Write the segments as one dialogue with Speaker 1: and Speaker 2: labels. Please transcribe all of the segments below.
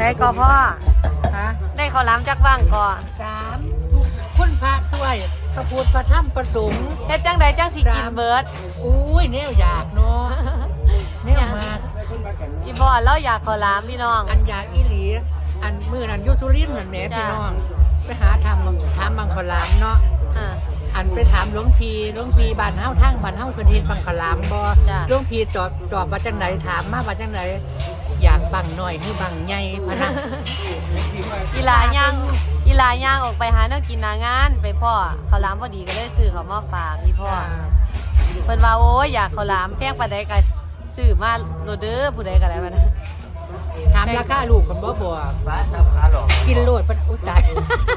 Speaker 1: ได้ก็พ่อ
Speaker 2: ฮะ
Speaker 1: ได้ข้าวหลามจักว่างก่อ
Speaker 2: 3คุณพระช่วยพระพุทธพระธรรมพระสงฆ์
Speaker 1: เฮ็ดจังใดจังสิกินเบิด
Speaker 2: อุ้ยแนวอยากเนาะแนวมาก
Speaker 1: อีพ่อเราอยากข้าวหลามพี่น้อง
Speaker 2: อันอยากอีหลีอันมือนั้นอยุสุรินทร์นั่นแหละ
Speaker 1: จ้ะ
Speaker 2: พี่น้องไปหาถามบางขลามเนาะ
Speaker 1: อ่า
Speaker 2: อันไปถามหลวงพี่บ้านเฮาทางบ้านเฮาเพิ่นเฮ็ดบางขลามบ่
Speaker 1: จ้ะ
Speaker 2: หลวงพี่ตอบว่าจังไดถามมาว่าจังไดอยากบังน้อยหรือบังใหญ่พะนะ
Speaker 1: อีหลาย่างออกไปหาแนวกินหน้างานไปพ่อข้าวหลามพอดีก็เลยซื้อเขามาฝากพี่พ่อเพิ่นว่าโอ้ยอยากข้าวหลามแพงปานใดก็ซื้อมาโลดเด้อผู้ใดก็ได้บัดนั้น
Speaker 2: ถามราคาลูกคนบ่บ่
Speaker 3: บ้านสำคัญหรอ
Speaker 2: กินโลดเพิ่นอุ้ยตาย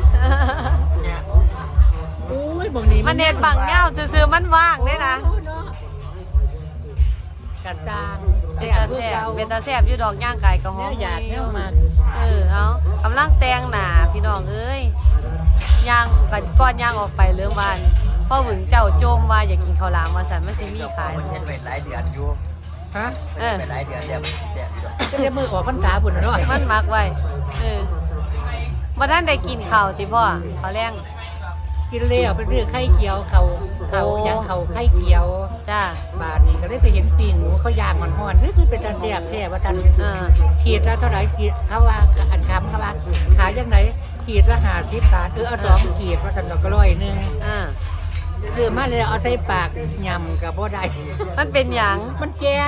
Speaker 2: อุ้ยบางนี้
Speaker 1: มันเน็ตบังเงาซื่อๆมันว่างเด้นะ
Speaker 2: กระจาง
Speaker 1: เป็นตาแซ่บเป็นตาแซ่บอยู่ดอกย่างไก่ก็หอ
Speaker 2: แน
Speaker 1: ม
Speaker 2: วอยากแนวมาก
Speaker 1: เอากำลังแต่งหน้าพี่น้องเอ้ยย่างก่อนย่างออกไปเรื่องบ้านพ่อหวึงเจ้าโจมว่าอยากกินข้าวหลามว่าสันมันสิมีขาย
Speaker 3: มันเห็นเป็นหลายเดือนอยู่
Speaker 2: ฮะ
Speaker 3: เป็นหลายเดือนแล้วมันแสบอยู่
Speaker 2: จะได้มือออกพรรษาบุญเนาะ
Speaker 1: มันมักไว้บ่ท่านได้กินข้าวติพ่อข้าวแรง
Speaker 2: กินเลี้ยวไปซื้อไข่เกียวเขายังเขาไข่เกียว
Speaker 1: จ้า
Speaker 2: บาทนี้ก็ได้ไปเห็นปีหนูเขาย่างห่อนๆนี่คือเป็นตาแซ่บแท้ว่ากัน ขีดละเท่าไหร่ขีดเขาว่าอันคำเขาว่าขายยังไงขีดละ50 บาทเอา2 ขีดว่ากันก็100นึงคือมาเลยเอาใส่ปากยำกับบ่ได้
Speaker 1: มันเป็นหยัง
Speaker 2: มันแกน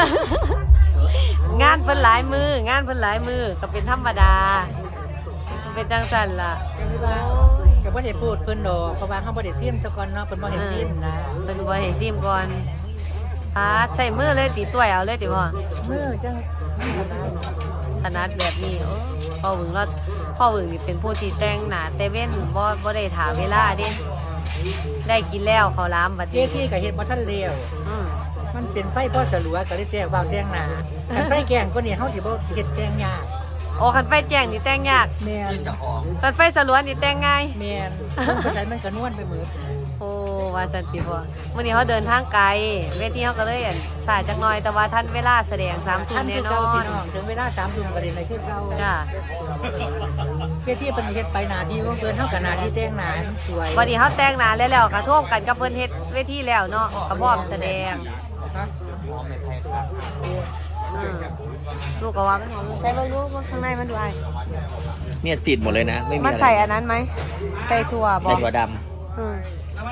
Speaker 1: งานเพิ่นหลายมืองานเพิ่นหลายมือก็เป็นธรรมดาเป็นจังซั่นล่ะโอ้ย
Speaker 2: ก็บ่ได้พูดเพิ่นดอกเพราะว่าเขาบ่ได้ซิมซะก่อนเนาะเพิ่นบ่เห็นซิมนะ
Speaker 1: เพิ่นบ่ให้ซิมก่อนใช้มือเลยติต้วยเอาเลยติพ่อ
Speaker 2: มือจัง
Speaker 1: ถนัดแบบนี้โอ้พ่อหวึงนี่เป็นผู้ที่แต่งหน้าแต่เว้นบ่ได้ถามเวลาเด้ได้กินแล้วข้าวหลามบัด
Speaker 2: เจ๊
Speaker 1: นี้
Speaker 2: ที่ก็เฮ็ดบ่ทันแล้ว
Speaker 1: อืม
Speaker 2: มันเป็นไฟพอสลัวก็เลยแจ้งว่าแจ้งหน้าคันไฟแกงก็นี่เฮาสิบ่เฮ็ดแกงยาก
Speaker 1: โอ้คันไฟแจ้งนี่แต่งยาก
Speaker 2: แม่น
Speaker 3: ที่จะของ
Speaker 1: คันไฟสลัวนี่แต่งง่าย
Speaker 2: แม่นเพราะฉะนั้นมันก็นวลไปหมด
Speaker 1: โอ้ว่าสันติพ่อมื้อนี้เขาเดินทางไกลเวทีเขาก็เลยสายจักหน่อยแต่ว่าท่านเวลาแสดง3ทุ่
Speaker 2: ท่าม น
Speaker 1: แน่
Speaker 2: คือน เก่า
Speaker 1: อ
Speaker 2: พี่
Speaker 1: น
Speaker 2: น้องถึงเวลา3 ทุ่มก็ได้ในคือเก่า
Speaker 1: จ้า
Speaker 2: เพื่อที่เพิ่นเฮ็ดไปหน้าที่ของเพิ่นเฮาก็หน้าที่แต่งหน้าให้มันสวย
Speaker 1: วันนี้เขาแต่งหน้าแล้วกระท่วมกันกับเพิ่นเฮ็ดเวทีแล้วเนาะก็พร้อมแสดง
Speaker 2: ฮะ
Speaker 3: หอมไม่แพ้ครับ
Speaker 1: อืมลูกก็ว่ามันหอมใส่เบิ่งดูว่าข้างในมันดูอ้าย
Speaker 3: เนี่ยติดหมดเลยนะไม่มี
Speaker 1: มันใส่อันนั้นไหมใส่ถั่วบ
Speaker 3: ใส่
Speaker 1: อก
Speaker 3: ถั่วด
Speaker 1: อืม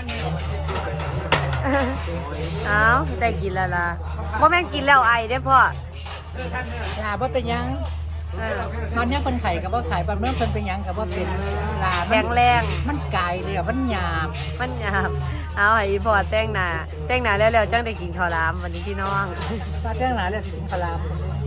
Speaker 1: เอาได้กินแล้วล่ะบ่แม่นกินแล้วไอเด้อพ่อ
Speaker 2: ลาบ่เป็นหยัง
Speaker 1: เออ
Speaker 2: ตอนนี้เพิ่นไข่ก็บ่ขายบางเรื่องเพิ่นเป็นหยังก็บ่เป็นลา
Speaker 1: แข็งแรง
Speaker 2: มันไกลเลยอ่ะมันหยาบ
Speaker 1: มันหยาบเอาให้อีพ่อแต่งหน้าแล้วจังได้กินข้าวหลามวันนี้พี่น้อง
Speaker 2: ตาแต่งหน้าแล้วสิถึงพลาม